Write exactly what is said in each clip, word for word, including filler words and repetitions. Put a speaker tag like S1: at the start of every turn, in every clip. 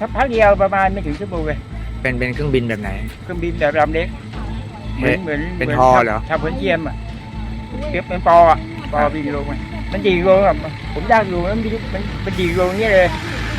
S1: พักเดียวประมาณไม่ถึงชั่วโมงเลย
S2: เป็นเป็นเครื่องบินแบบไหน
S1: เครื่องบินแบบลำเล็กเหมือนเหมือน
S2: เป็นฮอเหรอ
S1: ทำเหมือนเทียมอ่ะเก็บเป็นปออ่ะปอบินลงมันดีลงอ่ะผมได้อยู่มันมันมันดีลงนี่เลย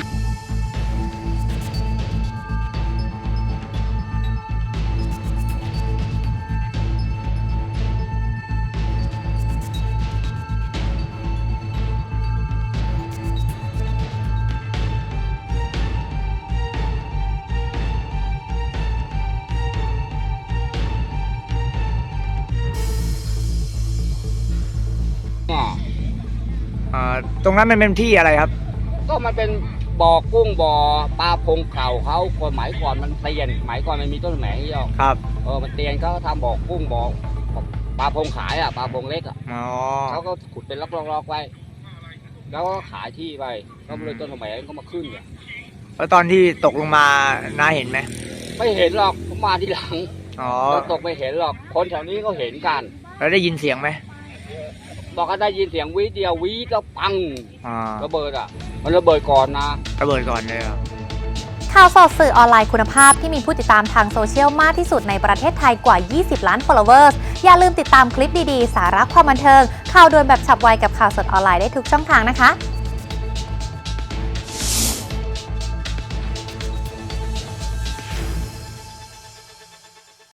S2: ตรงนั้นมันเป็นที่อะไรครับ
S3: ก็มันเป็นบ่อกุ้งบ่อปลาพงเก่าเขาคนหมายก่อนมันเตียนหมายก่อนมันมีต้นแหมงเยอะ
S2: ครับ
S3: เออมันเตียนเขาทำบ่อกุ้งบ่อปลาพงขายอ่ะปลาพงเล็กอ่ะเขาก็ขุดเป็นล็อกๆๆไว้แล้วก็ขายที่ไปก็เลยต้นแหมงก็มาขึ้นเนี่ย
S2: แล้วตอนที่ตกลงมาน้าเห็นไหม
S3: ไม่เห็นหรอกผมมาทีหลัง
S2: อ๋อ
S3: ตกไม่เห็นหรอกคนแถวนี้ก็เห็นกัน
S2: แล้วได้ยินเสียงไหม
S3: บอกก็ได้ยินเสียงวีเดียววีก็ปังระเบิดอ่ะมันระเบิดก่อนนะ
S2: ระเบิดก่อนเลยครับ
S4: ข่าวสดสื่อออนไลน์คุณภาพที่มีผู้ติดตามทางโซเชียลมากที่สุดในประเทศไทยกว่ายี่สิบล้าน followers อย่าลืมติดตามคลิปดีๆสาระความบันเทิงข่าวด่วนแบบฉับไวกับข่าวสดออนไลน์ได้ทุกช่องทางนะคะ